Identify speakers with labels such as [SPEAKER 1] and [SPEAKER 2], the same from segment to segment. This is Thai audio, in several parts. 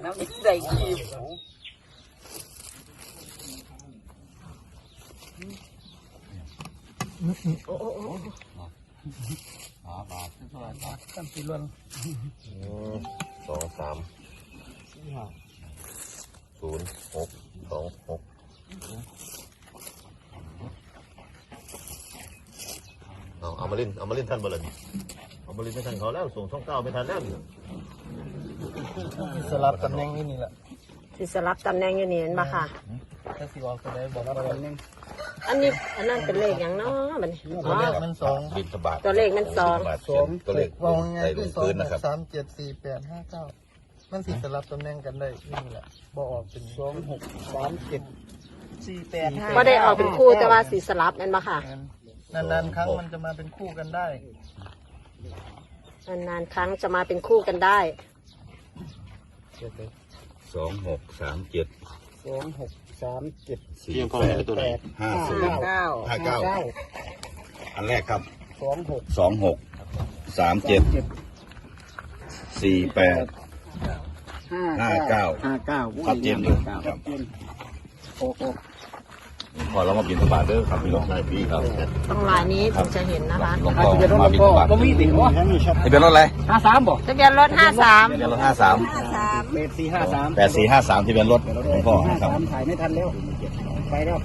[SPEAKER 1] น้ำใส่กีบโอ้บาทเท่าไหร่บาทตั้งสี่ล้วน
[SPEAKER 2] 2 3 0 6 2 6เอามาเล่นท่านบ่ล่ะเอามาเล่นไม่ทันเขาแล้วส่งช่อง9ไม่ทันแล้ว
[SPEAKER 1] สลับตำแหน่งนี่แหละ
[SPEAKER 3] ที่สลับตำแหน่งอยู่นี่เห็นปะค่ะ
[SPEAKER 1] ถ้าสิบอกก็ได้บอกว่าตำแหน่ง
[SPEAKER 3] อันนั้นเป็นเลขอย่างเนาะบัดนี้
[SPEAKER 1] ตัวเลขมัน
[SPEAKER 2] บิณฑบาต
[SPEAKER 3] ตัวเลขมัน2
[SPEAKER 2] ตัวเลข
[SPEAKER 1] วงไง
[SPEAKER 2] คือ
[SPEAKER 1] 2
[SPEAKER 2] นะครับ
[SPEAKER 1] 3 7 4 8 5 9มันสิสลับตำแหน่งกันได้นี่แหละบ่ออกเป็น2 6 3 7 4 8 5
[SPEAKER 3] ก็ได้ออกเป็นคู่แต่ว่าสีสลับนั่นปะค่ะ
[SPEAKER 1] นานๆครั้งมันจะมาเป็นคู่กันได้
[SPEAKER 3] นานๆครั้งจะมาเป็นคู่กันได้
[SPEAKER 2] 2 6 3 7
[SPEAKER 1] 2 6 3 7
[SPEAKER 2] 4 8 5 0 5 9อันแรกครับ2 6 3 7 4 8 5 9ชัดเจนอยู่ครับพอเรามาบิณฑบาตเด้อครับพี่น้องนายพี่ครับ
[SPEAKER 3] ต้องลายนี้ถึงจะเห็นนะคะ
[SPEAKER 2] หลวงพ่อมาบิณฑบาต
[SPEAKER 1] ก็มีติดวะ
[SPEAKER 2] ทะเบียนรถอะไร
[SPEAKER 1] 53บ่
[SPEAKER 3] ทะเบียนรถ53
[SPEAKER 2] ทะเบียนรถ53 8453ทะเบียนรถหลวงพ่อครับ
[SPEAKER 1] ถ่ายไม่ทันแล้วไปแล้ว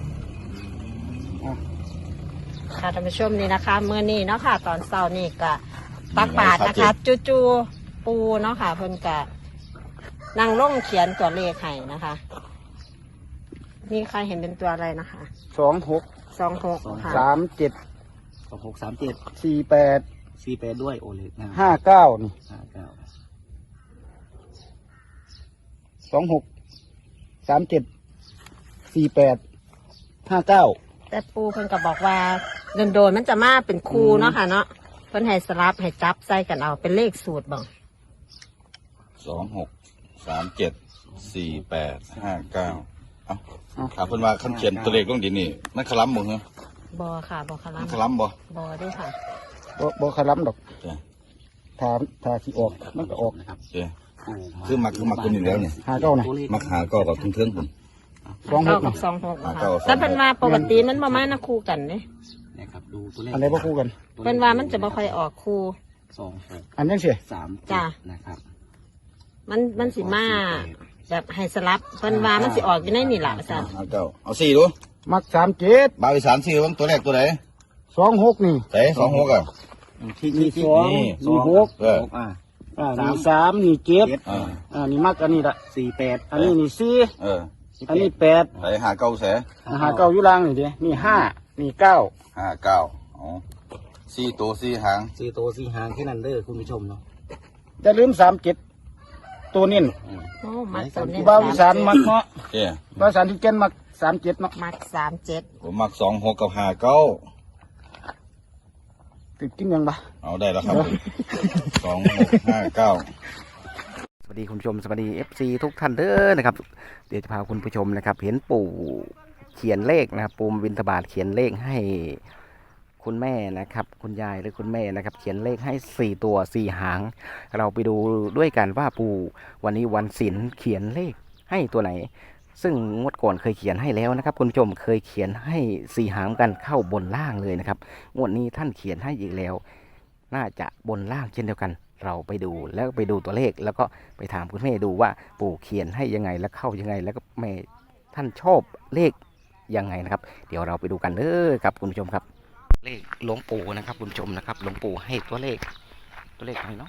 [SPEAKER 3] ค่ะท่านผู้ชมนี่นะคะเมื่อนี้เนาะค่ะตอนเช้านี่ก็ตักบาตรนะคะจูปูเนาะค่ะเพิ่นก็นั่งลงเขียนตัวเลขให้นะคะนี่ใครเห็นเป็นตัวอะไรนะคะ
[SPEAKER 1] 26
[SPEAKER 3] ค่ะ
[SPEAKER 1] 37
[SPEAKER 4] 26 37
[SPEAKER 1] 48
[SPEAKER 4] ด้วยโอเล็ก
[SPEAKER 1] 59นี่26 37 48 59
[SPEAKER 3] แต่ปูเพิ่นก็บอกว่าโดนมันจะมาเป็นคู่เนาะค่ะเนาะเพิ่นให้สลับให้จับใส่กันเอาเป็นเลขสูตรบ่
[SPEAKER 2] 26 37 48 59ครับเพิ่นว่าคันเขียนตัวเลขลงดินนี่มันคล้ำบ่ฮะ
[SPEAKER 3] บ่ค่ะบ่คล้ำ
[SPEAKER 2] คล้ำบ่
[SPEAKER 3] ด้วยค่ะ
[SPEAKER 1] บ่คล้ำดอกถ้าสิออกมันก็ออก
[SPEAKER 4] นะครับ
[SPEAKER 2] คือมักตัวนี้แล้วเนี่ย
[SPEAKER 1] 59นะ
[SPEAKER 2] มักหาก็กับเทิงๆพุ่น
[SPEAKER 3] 26กับ26ค่ะแต่เพิ่นว่าปกติมันบ่มานะคู่กันเด้
[SPEAKER 4] นะครับดูตัวเลข
[SPEAKER 1] อันไหนบ่คู่กัน
[SPEAKER 3] เพิ่นว่ามันจะบ่ค่อยออกคู่
[SPEAKER 4] 26
[SPEAKER 1] อันจังซี่
[SPEAKER 4] 3
[SPEAKER 3] จ้ะ
[SPEAKER 4] นะครับ
[SPEAKER 3] มันสิมาแบบให้สลับเพิ่นว่ามันสิออกอยู่ในนี่ล่ะอาจารย์
[SPEAKER 2] เอา4ดู
[SPEAKER 1] มัก37
[SPEAKER 2] บาวิสาน4ว่าตัวแรกตัวไหน
[SPEAKER 1] 26นี่
[SPEAKER 2] เต๋26อ่ะ
[SPEAKER 1] ที่2นี่6นี่3นี่7นี่มักอันนี้ละ
[SPEAKER 4] 48
[SPEAKER 1] อันนี้นี่4อันนี้8
[SPEAKER 2] ไหนหาเก้าแส
[SPEAKER 1] หา9อยู่ล่างนี่ดินี่5นี่9
[SPEAKER 2] 5 9อ๋อ4ตัว4หาง
[SPEAKER 4] 4ตัว4หางแค่นั้นเด้อคุณผู้ชมเนาะ
[SPEAKER 1] อย่าลืม37ตัวนี้
[SPEAKER 3] โอ้มักตัวนี้
[SPEAKER 1] บ่าวอีสานมักเนาะบ่าวอีสานที่เก่นมัก37เนาะ
[SPEAKER 3] มัก37
[SPEAKER 2] ผมมัก26กับ59
[SPEAKER 1] ติดกินยังบ่
[SPEAKER 2] เอาได้แล้วครับ26 59
[SPEAKER 4] สวัสดีคุณผู้ชมสวัสดี FC ทุกท่านเด้อนะครับเดี๋ยวจะพาคุณผู้ชมนะครับเห็นปู่เขียนเลขนะครับปู่บิณฑบาตเขียนเลขให้คุณแม่นะครับคุณยายหรือคุณแม่นะครับเขียนเลขให้4ตัว4หางเราไปดูด้วยกันว่าปู่วันนี้วันศีลเขียนเลขให้ตัวไหนซึ่งงวดก่อนเคยเขียนให้แล้วนะครับคุณผู้ชมเคยเขียนให้4หางกันเข้าบนล่างเลยนะครับงวดนี้ท่านเขียนให้อีกแล้วน่าจะบนล่างเช่นเดียวกันเราไปดูแล้วไปดูตัวเลขแล้วก็ไปถามคุณแม่ดูว่าปู่เขียนให้ยังไงแล้วเข้ายังไงแล้วก็แม่ท่านชอบเลขยังไงนะครับเดี๋ยวเราไปดูกันเด้อครับคุณผู้ชมครับเลขหลวงปู่นะครับคุณผู้ชมนะครับหลวงปู่ให้ตัวเลขอะไรเนาะ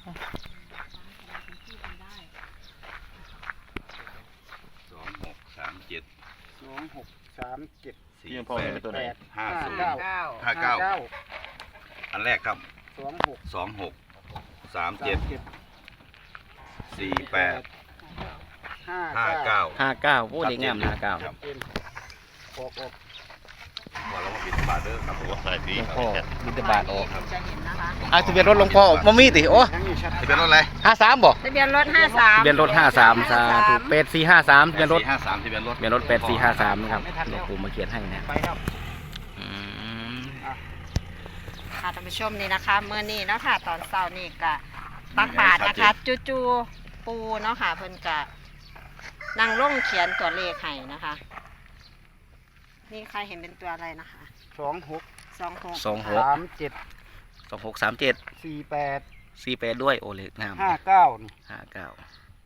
[SPEAKER 2] 26 37 48 50 59อันแรกครับ26 37 48
[SPEAKER 4] 59โอ้เด็กงาม59
[SPEAKER 2] พอเรามาบิณฑบาตเด้อครับผมใส่ดี
[SPEAKER 4] พ่อบิณฑบาตออก
[SPEAKER 3] จะเห็นนะคะ
[SPEAKER 4] ทะเบียนรถหลวงพ่อบ่มีติโอ้
[SPEAKER 2] ทะเบียนรถอะไร
[SPEAKER 4] 53บ่
[SPEAKER 3] ทะเบียนรถ53
[SPEAKER 4] ทะเบียนรถ53สาธุ8453ทะเบียนรถ
[SPEAKER 2] ทะเบียนรถ
[SPEAKER 4] 8453นะครับหลวงปู่มาเขียนให้นะ
[SPEAKER 3] ค่ะท่านผู้ชมนี่นะคะเมื่อนี้เนาะค่ะตอนเช้านี่ก็ตักบาตรนะคะจูปูเนาะค่ะเพิ่นกะนั่งลงเขียนตัวเลขให้นะคะ นี่ใครเห็นเป็นตัวอะไรนะคะ
[SPEAKER 1] 26
[SPEAKER 3] 26
[SPEAKER 1] 37
[SPEAKER 4] 2637
[SPEAKER 1] 48
[SPEAKER 4] ด้วยโอเล็กงาม
[SPEAKER 1] 59นี่
[SPEAKER 4] 59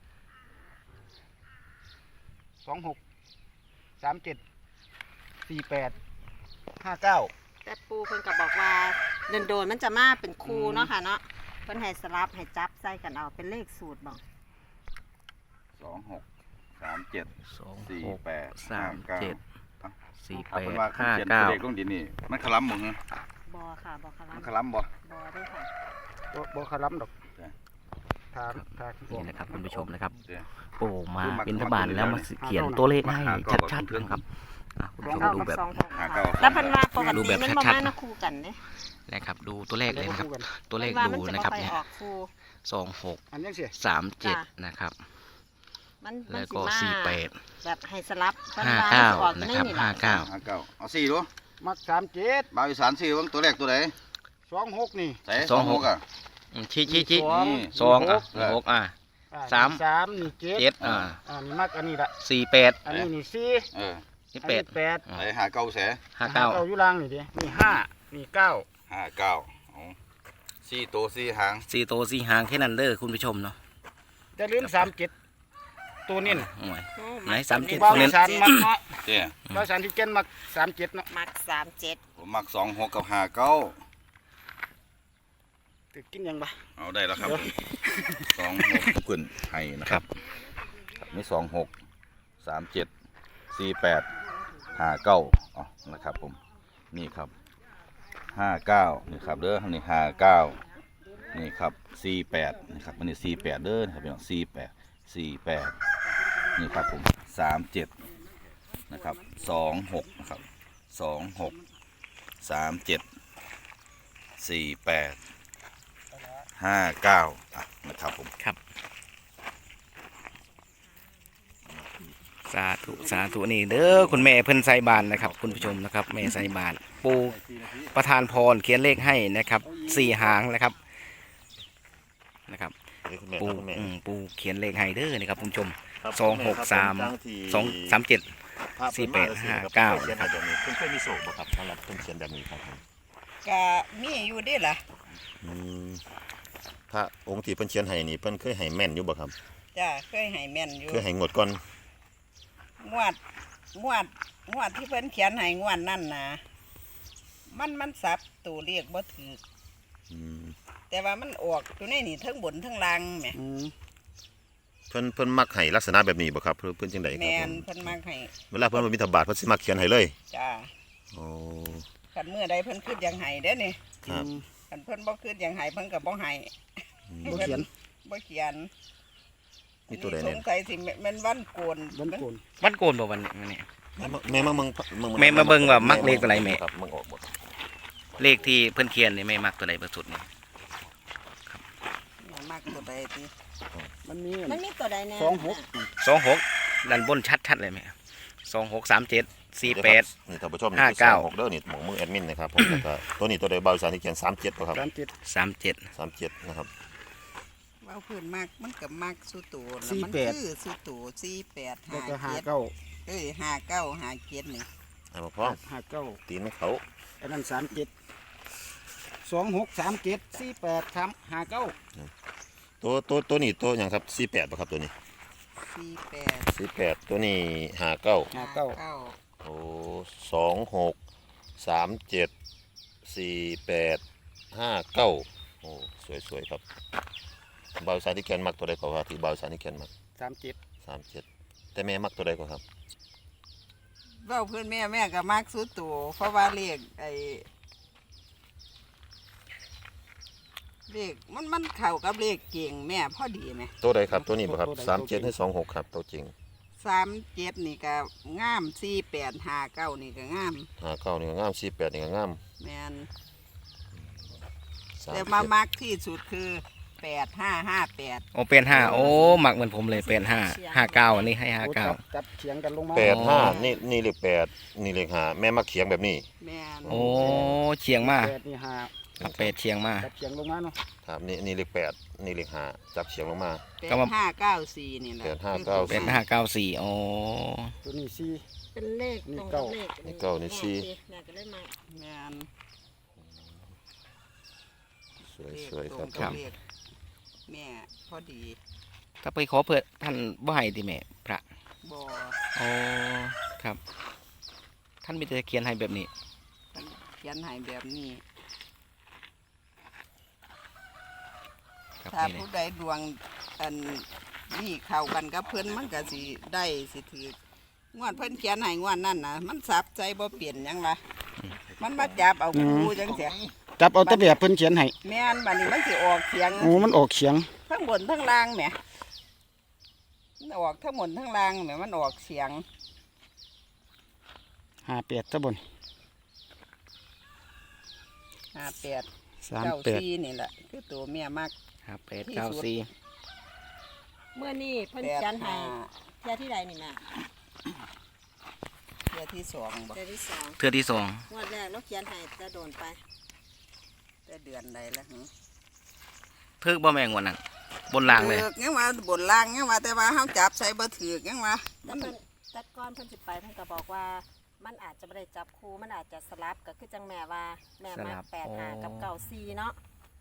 [SPEAKER 1] 26 37 48 59
[SPEAKER 3] แต่ปูเพิ่นก็บอกว่าโดนๆมันจะมาเป็นคู่เนาะค่ะเนาะเพิ่นให้สลับให้จับใส่กันเอาเป็นเลขสูตรบอก
[SPEAKER 2] 26 37 48 59
[SPEAKER 4] 36 37
[SPEAKER 2] เอาเป็นว่า
[SPEAKER 4] 48
[SPEAKER 2] เขียนตัวเลขลง
[SPEAKER 4] 59
[SPEAKER 2] ดินนี่มันขลัมมึง
[SPEAKER 3] บอค่ะบอคารั
[SPEAKER 2] มัน
[SPEAKER 3] ม
[SPEAKER 2] ขลัมบ่
[SPEAKER 3] บอด้วยค่ะ
[SPEAKER 1] บ่คาล้ำดอกทาง
[SPEAKER 4] นี่นะครับคุณผู้ชมนะครับ
[SPEAKER 2] เดี๋ยว
[SPEAKER 4] ปู่มาบิณฑบาตแล้วมาเขียนตัวเลขให้ชัดๆนะครับคุณผู้ชม
[SPEAKER 3] เก้า
[SPEAKER 4] ดู
[SPEAKER 3] กับ
[SPEAKER 4] แบบ
[SPEAKER 3] 26แล้วเพันว่าปก
[SPEAKER 4] ดู
[SPEAKER 3] ติ
[SPEAKER 4] แบบ
[SPEAKER 3] มัน
[SPEAKER 4] ชั
[SPEAKER 3] บ่
[SPEAKER 4] ดๆ
[SPEAKER 3] มาคู่กันเนี่ย
[SPEAKER 4] นะครับดูตัวเลขเลยนะครับ ตัวเลข
[SPEAKER 3] ว่า
[SPEAKER 4] ดู
[SPEAKER 3] มันจะ
[SPEAKER 4] นะครับ
[SPEAKER 3] ไป
[SPEAKER 4] เนี่ย
[SPEAKER 3] ออกคู่
[SPEAKER 4] 26
[SPEAKER 1] อันนี้สิ
[SPEAKER 4] 37นะครับ
[SPEAKER 3] มัน
[SPEAKER 4] แล้ว
[SPEAKER 3] สิ
[SPEAKER 4] ก็
[SPEAKER 3] มา
[SPEAKER 4] 48
[SPEAKER 3] แบบให้สลับ
[SPEAKER 4] 59นะครับ59
[SPEAKER 2] 59เอา4ดู
[SPEAKER 1] มัก37
[SPEAKER 2] บ่าวอีสาน4เบิ่งตัวแรกตัวใด
[SPEAKER 1] 26นี่
[SPEAKER 2] ใส่26อ่ะ
[SPEAKER 4] ชี้
[SPEAKER 1] สอง
[SPEAKER 4] 2 6 สาม
[SPEAKER 1] 3นี่7
[SPEAKER 4] 7
[SPEAKER 1] นี่มักอันนี้ละ
[SPEAKER 4] 48
[SPEAKER 1] อันนี้นี่4
[SPEAKER 2] เออ
[SPEAKER 1] อันนี้
[SPEAKER 4] 8
[SPEAKER 1] 8
[SPEAKER 2] ใส่หาเก้าแส
[SPEAKER 1] เอาอยู่ล่างนี่ดินี่5นี่9
[SPEAKER 2] 59เอา4ตัว4หาง
[SPEAKER 4] 4 ตัว 4 หางแค่นั้นเด้อคุณผู้ชมเนาะ
[SPEAKER 1] จะลืม37ตัวนี่
[SPEAKER 4] โอ้ย
[SPEAKER 3] โอ้
[SPEAKER 4] ไหน
[SPEAKER 3] มัก
[SPEAKER 4] 37
[SPEAKER 1] บ่าว
[SPEAKER 4] เน้
[SPEAKER 1] อี
[SPEAKER 4] น
[SPEAKER 1] สานมักเนาะ
[SPEAKER 2] เด้อ
[SPEAKER 1] บ่าวอีสานที่เก่นมัก37เนาะ
[SPEAKER 3] มัก37
[SPEAKER 2] ผมมัก26กับ59
[SPEAKER 1] ตึกกินยังบ่
[SPEAKER 2] เอาได้แล้วครับ26ขึ้นให้นะครับมี26 37 48 59อ๋อนะครับผมนี่ครับ59นี่ครับเด้อนี่59นี่ครับ48นะครับมันนี่48เด้อนะครับพี่น้อง48นี่ครับผม37นะครับ26นะครับ26 37 48 59นะครับผม
[SPEAKER 4] ครับสาธุนี่เด้อคุณแม่เพิ่นใส่บานนะครับ คุณผู้ชมนะครับแม่ใส่บานปูประธานพรเขียนเลขให้นะครับ4 หางนะครับปูเขียนเลขให้เด้อนะครับคุณผู้ชม263 237 48 59
[SPEAKER 5] เพิ่นเคยมีโศกบ่ครับสำหรับเพิ่นเขียนแบบนี้ครับ
[SPEAKER 3] ก็มีอยู่ดิล่ะ
[SPEAKER 5] อืมพระองค์ที่เพิ่นเขียนให้นี่เพิ่นเคยให้แม่นอยู่บ่ครับ
[SPEAKER 3] จ้าเคยให้แม่นอยู่
[SPEAKER 5] เคยให้งวดก่อน
[SPEAKER 3] งวดที่เพิ่นเขียนให้งวดนั่นนะมันสับตัวเลขบ่ถูก
[SPEAKER 5] อืม
[SPEAKER 3] แต่ว่ามันออกอยู่ในนี่ทั้งบนทั้งล่างแหม
[SPEAKER 5] เพิ่นมักให้ลักษณะแบบนี้บ่ครับเพิ่นจังได๋ครับ
[SPEAKER 3] แม่น
[SPEAKER 5] ผม
[SPEAKER 3] เพิ่นมักให้
[SPEAKER 5] เวลาเพิ่นมาบิณฑบาตเพิ่นสิมักเขียนให้เลย
[SPEAKER 3] จ้า
[SPEAKER 5] โอ้
[SPEAKER 3] คันเมื่อใดเพิ่นคิดอย่างให้เด้อนี่
[SPEAKER 5] ครับ
[SPEAKER 3] คันเพิ่นบ่คิดอย่างให้เพิ่นก็บ่ให้
[SPEAKER 1] บ่เขียน
[SPEAKER 3] บ่เขียน
[SPEAKER 5] มีตัวใด
[SPEAKER 3] ส
[SPEAKER 5] แน่
[SPEAKER 3] งสัยสิแม่นวันโกน
[SPEAKER 1] วันโกน
[SPEAKER 4] วันโกนบ่วันนี้
[SPEAKER 5] แม่มาเบิ่ง
[SPEAKER 4] แม่มาเบิ่งว่ามักเลขตัวไหนแม่
[SPEAKER 5] ครับมึงออกบ่
[SPEAKER 4] เลขที่เพิ่นเขียนนี่แม่มักตัวใดเบอร์สุดนี่
[SPEAKER 3] มักตัวใดติ
[SPEAKER 1] มันมี
[SPEAKER 3] มันมีตัวใดแน่
[SPEAKER 4] 26ด้านบนชัดๆเลยแม่26 37 48
[SPEAKER 5] นี่ท่านผู้ชม
[SPEAKER 4] 59
[SPEAKER 5] นี่คือ26เด้อนี่หมองมือแอดมินนะครับผมแล้วก็ตัวนี้ตัวใดบ่าวอีสานที่เขียน37บ่ครับ
[SPEAKER 1] 37
[SPEAKER 4] 37
[SPEAKER 5] นะครับ
[SPEAKER 3] ว่าเพิ่นมักมันก็มักสุตัวแล้ว
[SPEAKER 1] 48
[SPEAKER 3] มันคือสุตัว48
[SPEAKER 1] แล้วก็
[SPEAKER 3] 57
[SPEAKER 1] 59
[SPEAKER 3] 59 57นี่
[SPEAKER 5] ให้มาพร้อม
[SPEAKER 1] 59
[SPEAKER 5] ตีนเขา
[SPEAKER 1] อันนั้น37 26 37 48 59
[SPEAKER 5] ตัวนี้ตัวหยังครับ48บ่ครับตัวนี้
[SPEAKER 3] 48
[SPEAKER 5] 48ตัวนี้59
[SPEAKER 3] 59
[SPEAKER 5] โอ้26 37 48 59โอ้สวยๆครับบ่าวสายที่เขียนมักตัวใดก็ครับที่บ่าวสายที่เขียนมัก
[SPEAKER 1] 37
[SPEAKER 5] 37แต่แม่มักตัวใดก็ครับ
[SPEAKER 3] เว้าเพิ่นแม่ก็มักสุตัวเพราะว่าเลขมันเข้ากับเลขเก่งแม่พอดีแม่
[SPEAKER 5] ตัวใดครับตัวนี้บ่ครับ37ให้26ครับตัวจริง
[SPEAKER 3] 37นี่ก็งาม48 59นี่ก็งาม
[SPEAKER 5] 59นี่ก็งาม48นี่ก็งาม
[SPEAKER 3] แม่น
[SPEAKER 5] 37
[SPEAKER 3] แต่มามักที่สุดคือ8558
[SPEAKER 4] โอ้เป็น5โอ้มักเหมือนผมเลยเป็น5 59อันนี้ให้
[SPEAKER 1] โอ้
[SPEAKER 4] 59
[SPEAKER 1] จับเฉียงกันลงมา
[SPEAKER 5] 85นี่เลข8นี่เลข5แม่มักเขียงแบบนี้
[SPEAKER 3] แม่น
[SPEAKER 4] โอ้เฉียงมาก
[SPEAKER 1] 8นี่5
[SPEAKER 4] เอาเป็ดเชียงมา
[SPEAKER 1] จับเฉียงลงมาเนาะ
[SPEAKER 5] ครับนี่เลข8นี่เลข5จับเฉียงลงมา
[SPEAKER 3] เป็น594นี่แหละ
[SPEAKER 5] 8 5 9
[SPEAKER 4] เป็น594อ๋อ
[SPEAKER 1] ตัวนี้สี่
[SPEAKER 3] เป็นเลข
[SPEAKER 1] นี่
[SPEAKER 3] ตรง
[SPEAKER 1] เก้า
[SPEAKER 3] กับเลข
[SPEAKER 5] นี่เก้านี่สี่
[SPEAKER 3] แม่ก็เลยมา
[SPEAKER 6] แม่น
[SPEAKER 5] สวยครับ
[SPEAKER 6] ตงกับเลขแม่พอดี
[SPEAKER 4] ถ้าไปขอเพื่อท่านบ่ให้ติแม่พระ
[SPEAKER 6] บ่
[SPEAKER 4] อ๋อครับ ท่านมีแต่เขียนให้แบบนี้
[SPEAKER 6] เพิ่นเขียนให้แบบนี้
[SPEAKER 4] ครับ
[SPEAKER 6] ถ้า
[SPEAKER 4] นี่
[SPEAKER 6] ผู้
[SPEAKER 4] เลย
[SPEAKER 6] ใดดวงอันนี่เข้ากันกับเพิ่นมันก็สิได้สิถืองวดเพิ่นเขียนให้งวดนั่นน่ะมันสับใจบ่เปลี่ยนหยังล่ะมันมาจับเอาคู่จังซี่
[SPEAKER 1] จับเอาแต่แบบเพิ่นเขียนให้
[SPEAKER 6] แม่นบัดนี้มันสิออกเสียง
[SPEAKER 1] โอ้มันออกเฉียง
[SPEAKER 6] ทั้งบนทั้งล่างแหมมันออกทั้งบนทั้งล่างแหมมันออกเสียง
[SPEAKER 1] 58ตะบน
[SPEAKER 6] 58
[SPEAKER 1] 38
[SPEAKER 6] 94นี่แหละคือตัวแม่มัก
[SPEAKER 4] ครับ894
[SPEAKER 3] เมื่อนี่เพิ่นเขียนให้เที่ยที่ใดนี่แม่
[SPEAKER 6] เที่ยที่สองบ่
[SPEAKER 3] เที่ยที่สอง
[SPEAKER 4] เทื่อที่สอง
[SPEAKER 3] งวดแรกเราเขียนให้จะโดนไป
[SPEAKER 6] แต่เดือนใดแล้วหึ
[SPEAKER 4] ถึกบ่แม่งวันนั้นบนล่างเลย
[SPEAKER 6] ถือกยังว่าบนล่างยังว่าแต่ว่าเฮาจับใส่บ่ถือกยังว่า
[SPEAKER 3] แต่เพิ่นแต่ก่อนเพิ่นสิไปเพิ่นก็บอกว่ามันอาจจะไม่ได้จับคู่มันอาจจะสลับก็คือจังแม่ว่าแม่มา85กับ94เนาะ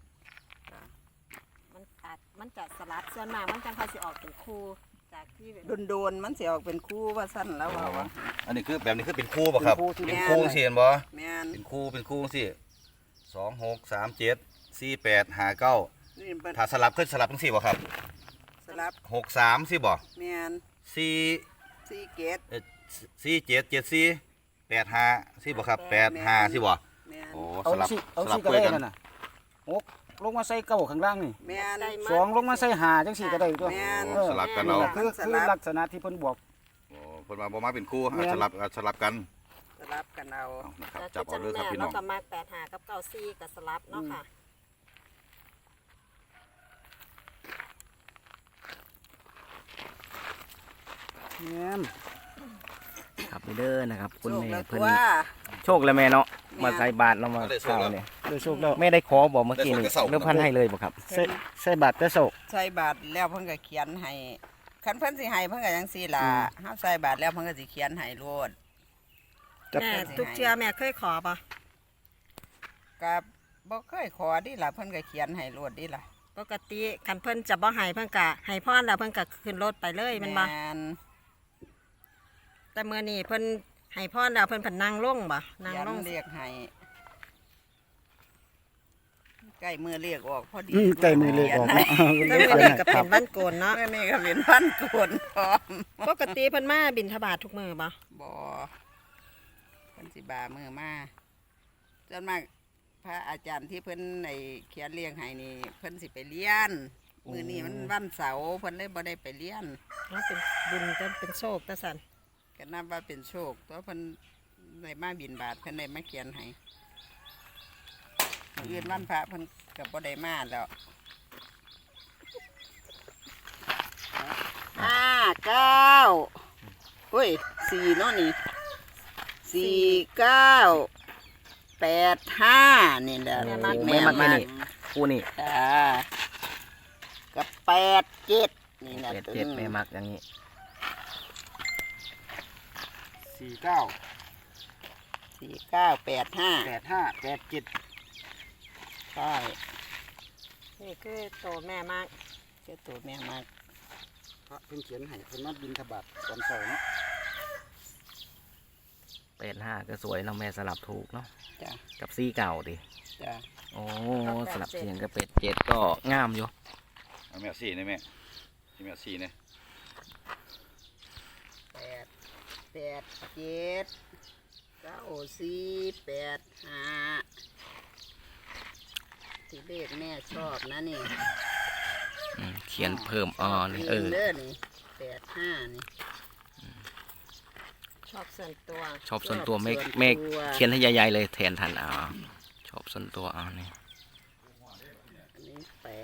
[SPEAKER 3] มันจะสลับส่วนมากมันจังค่อยสิออกเป็นคู่จากที่แบบ
[SPEAKER 6] โดนๆมันสิออกเป็นคู่ว่าสั้นแล้วว่า
[SPEAKER 2] อันนี้คือแบบนี้คือเป็นคู่ป่ะครับ
[SPEAKER 6] เป็นคู่
[SPEAKER 2] เป็นคู่สิเห็นบ่
[SPEAKER 6] แม่น
[SPEAKER 2] เป็นคู่สิ2 6 3 7 4 8 5 9
[SPEAKER 6] นี่เพิ่น
[SPEAKER 2] ถ้าสลับขึ้นสลับทั้ง4บ่ครับ
[SPEAKER 6] สลับ
[SPEAKER 2] 6 3สิบ่
[SPEAKER 6] แม่น
[SPEAKER 2] 4
[SPEAKER 6] 4เกต
[SPEAKER 2] 4 7 7 4 8 5สิบ่ครับ8 5สิบ่
[SPEAKER 6] แม่น
[SPEAKER 2] โอ้
[SPEAKER 1] เอา
[SPEAKER 2] สลับ
[SPEAKER 1] สิเอา
[SPEAKER 2] สลั
[SPEAKER 1] สิ
[SPEAKER 2] บ
[SPEAKER 1] ก็
[SPEAKER 2] คุย
[SPEAKER 1] ได้
[SPEAKER 2] กัน
[SPEAKER 1] นั่นน่ะ6ลงมาใส่เก้าข้างล่างนี่
[SPEAKER 6] แม่น
[SPEAKER 1] 2ลงมาใส่5จังซี่ก็ได้ตัว
[SPEAKER 6] แม่น
[SPEAKER 1] เออ
[SPEAKER 2] สลับกันเอา
[SPEAKER 1] คือลักษณะที่เพิ่นบอก
[SPEAKER 2] โอ้เพิ่นมาบ่มาเป็นคู่
[SPEAKER 1] แม่น
[SPEAKER 2] สลับกัน
[SPEAKER 6] สลับกันเอา
[SPEAKER 2] เอานะครับ
[SPEAKER 3] แต่
[SPEAKER 2] จับ
[SPEAKER 3] จั
[SPEAKER 2] เอา
[SPEAKER 3] ง
[SPEAKER 2] เลยค
[SPEAKER 3] แม่
[SPEAKER 2] รับพี่น้
[SPEAKER 3] เนาะ
[SPEAKER 2] อง
[SPEAKER 3] ก็มา85กับ94ก็สลับเนาะค่ะ
[SPEAKER 1] แม่น
[SPEAKER 4] ครับนี่เด้อนะครับ คุณ
[SPEAKER 6] โชค
[SPEAKER 4] แม่
[SPEAKER 6] แล้ว
[SPEAKER 4] เพิ่น
[SPEAKER 6] ตัว
[SPEAKER 4] โชคแล้วแม่เนาะมาใส่บาตรเรามาข้าวเนี่ย
[SPEAKER 1] ได้โชคแล้ว
[SPEAKER 4] แม่ได้ขอบอกเมื่อกี้นี่เริ่มพันให้เลยบ่ครับ
[SPEAKER 1] ใส่บาตรแต่โศก
[SPEAKER 6] ใส่บาทแล้วเพิ่นก็เขียนให้คันเพิ่นสิให้เพิ่นก็จังซี่ล่ะเฮาใส่บาทแล้วเพิ่นก็สิเขียนให้โลด
[SPEAKER 1] จับ
[SPEAKER 3] แม่ทุกเทื่อแม่เคยขอปะ
[SPEAKER 6] ก็บ่เคยขอดิล่ะเพิ่นก็เขียนให้โลดดิล่ะ
[SPEAKER 3] ปกติคันเพิ่นจะบ่ให้เพิ่นก็ให้พรแล้วเพิ่นก็ขึ้นรถไปเลยแมันบ่
[SPEAKER 6] แม่น
[SPEAKER 3] แต่มื้อนี้เพิ่นให้พรแล้วเพิ่นเพิ่นนั่งลงบ่นั่ง
[SPEAKER 6] เขียน
[SPEAKER 3] ลง
[SPEAKER 6] เรียกให้ใกล้มือเรียกออกพอดี
[SPEAKER 1] ใกล้มือเลขออกเนาะ
[SPEAKER 3] แต่มื้อนี้ก็เป็นวันโกนเนาะ
[SPEAKER 6] มื้อนี้ก็เป็นวันโกนพร้อม
[SPEAKER 3] ปกติเพิ่นมาบิณฑบาตทุกมื้อบ่
[SPEAKER 6] บ่เพิ่นสิบามือมาจนมากพระอาจารย์ที่เพิ่นไอ้เขียนเรียงให้นี่เพิ่นสิไปเรียนมื้อนี้มันวันเสาร์เพิ่นเลยบ่ได้ไปเรียน
[SPEAKER 3] เนาะเป็นบุญจะเป็นโชคตะสัน
[SPEAKER 6] ก็นับว่าเป็นโชคตัวเพิ่นได้มาบิณฑบาตเพิ่นได้มาเขียนให้มื้ออื่นวันพระเพิ่นก็บ่ได้มาแล้ว5 9อุ้ย4เนาะนี่4 9 8 5นี่แหละ
[SPEAKER 4] แม่มักแม่นี่คู่นี่
[SPEAKER 6] จ้ากับ8 7นี่แหละ
[SPEAKER 4] 7แม่มักอย่างนี้
[SPEAKER 1] 49
[SPEAKER 6] 4 9 8 5
[SPEAKER 1] 85 87
[SPEAKER 6] ใช่
[SPEAKER 3] นี่คือโตแม่มาก
[SPEAKER 6] เจ้าตัวแม่มาก
[SPEAKER 1] พระเพิ่นเขียนให้เพิ่นมาบิณฑบาตตอนเช้าเนาะ
[SPEAKER 4] 85ก็สวยเนาะแม่สลับถูกเนาะ
[SPEAKER 6] จ้า
[SPEAKER 4] กับซี่เก่าดิ
[SPEAKER 6] จ้า
[SPEAKER 4] โอ้สลับเสียงกับ7ก็งามอยู่
[SPEAKER 2] เอาแม่4นี่แม่ที่แม่4นี่
[SPEAKER 6] 8 7 9 4 8 5ที่เลขแม่ชอบนะนี่
[SPEAKER 4] เขียนเพิ่มนี่
[SPEAKER 6] เด้อนี่8 5นี่
[SPEAKER 3] ชอบส่วนตัว
[SPEAKER 4] ชอบส่วนตัวแม่
[SPEAKER 6] ชอบส่วนตัว
[SPEAKER 4] แม่เขียนให้ใหญ่ๆเลยแทนทันชอบส่วนตัวนี่
[SPEAKER 6] อันนี้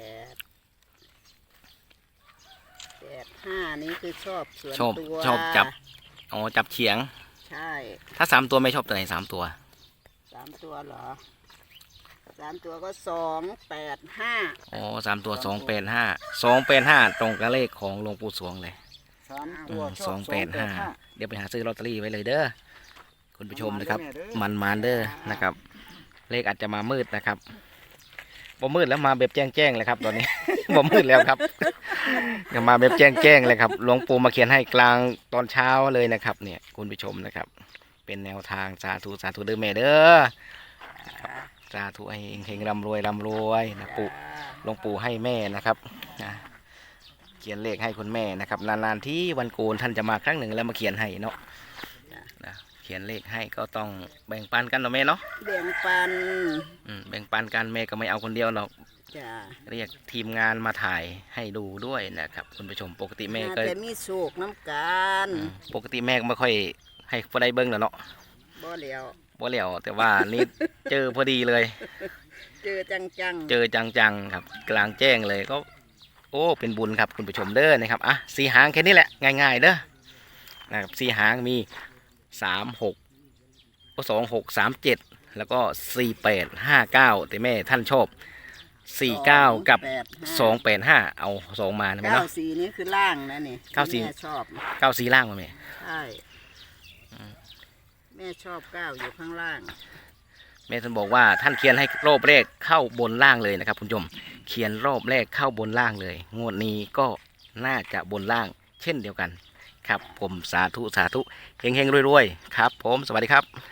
[SPEAKER 6] 8 5นี่คือชอบส่วน
[SPEAKER 4] ชอบ
[SPEAKER 6] ตัว
[SPEAKER 4] ชอบจับจับเฉียง
[SPEAKER 6] ใช่
[SPEAKER 4] ถ้า3ตัวไม่ชอบตัวไหน3ตัว
[SPEAKER 6] 3 ตัวเหรอ 3 3 ตัวก็ 285
[SPEAKER 4] อ๋อ3 ตัว285ตรงกับเลขของหลวงปู่สวงเลย
[SPEAKER 1] 3 ตัวชอบ
[SPEAKER 4] 285เดี๋ยวไปหาซื้อลอตเตอรี่ไว้เลยเด้อคุณผู้ชมนะครับมันเด้อนะครับ เลขอาจจะมามืดนะครับบ่มืดแล้วมาแบบแจ้งเลยครับตอนนี้ บ่มืดแล้วครับยังมาแบบแจ้งเลยครับหลวงปู่มาเขียนให้กลางตอนเช้าเลยนะครับเนี่ยคุณผู้ชมนะครับ เป็นแนวทางสาธุเด้อแม่เด้อสาธุให้เฮงๆร่ำรวยนะปู่หลวงปู่ให้แม่นะครับนะเขียนเลขให้คุณแม่นะครับนานๆที่วันโกนท่านจะมาครั้งหนึ่งแล้วมาเขียนให้เนาะนะเขียนเลขให้ก็ต้องแบ่งปันกันเนาะแม่เนาะ
[SPEAKER 6] แบ่งปัน
[SPEAKER 4] แบ่งปันกันแม่ก็ไม่เอาคนเดียวหรอก
[SPEAKER 6] จ้า
[SPEAKER 4] เรียกทีมงานมาถ่ายให้ดูด้วยนะครับคุณผู้ชมปกติแม่ก็
[SPEAKER 6] แต่มีโศกน้ำกัน
[SPEAKER 4] ปกติแม่ก็ไม่ค่อยให้ผู้ใดเบิ้งหรอกเนาะ
[SPEAKER 6] บ่เหลียว
[SPEAKER 4] บ่เหลียวแต่ว่านี่เจอพอดีเลย
[SPEAKER 6] เจอจัง
[SPEAKER 4] เจอจังๆครับกลางแจ้งเลยก็โอ้เป็นบุญครับคุณผู้ชมเด้อนะครับอ่ะสีหางแค่นี้แหละง่ายๆเด้อนะครับสีหางมี36 2637แล้วก็4859แต่แม่ท่านชอบ49กับ285เอา2มานะแม่เนาะ
[SPEAKER 6] 94นี่คือล่างนะนี่
[SPEAKER 4] 94
[SPEAKER 6] แม่ชอบ
[SPEAKER 4] 94ล่างมาแม่
[SPEAKER 6] ใช่แม่ชอบ9อยู่ข้างล่าง
[SPEAKER 4] แม่ท่านบอกว่าท่านเขียนให้รอบแรกเข้าบนล่างเลยนะครับคุณผู้ชมเขียนรอบแรกเข้าบนล่างเลยงวดนี้ก็น่าจะบนล่างเช่นเดียวกันครับผมสาธุเฮงๆรวยๆครับผมสวัสดีครับ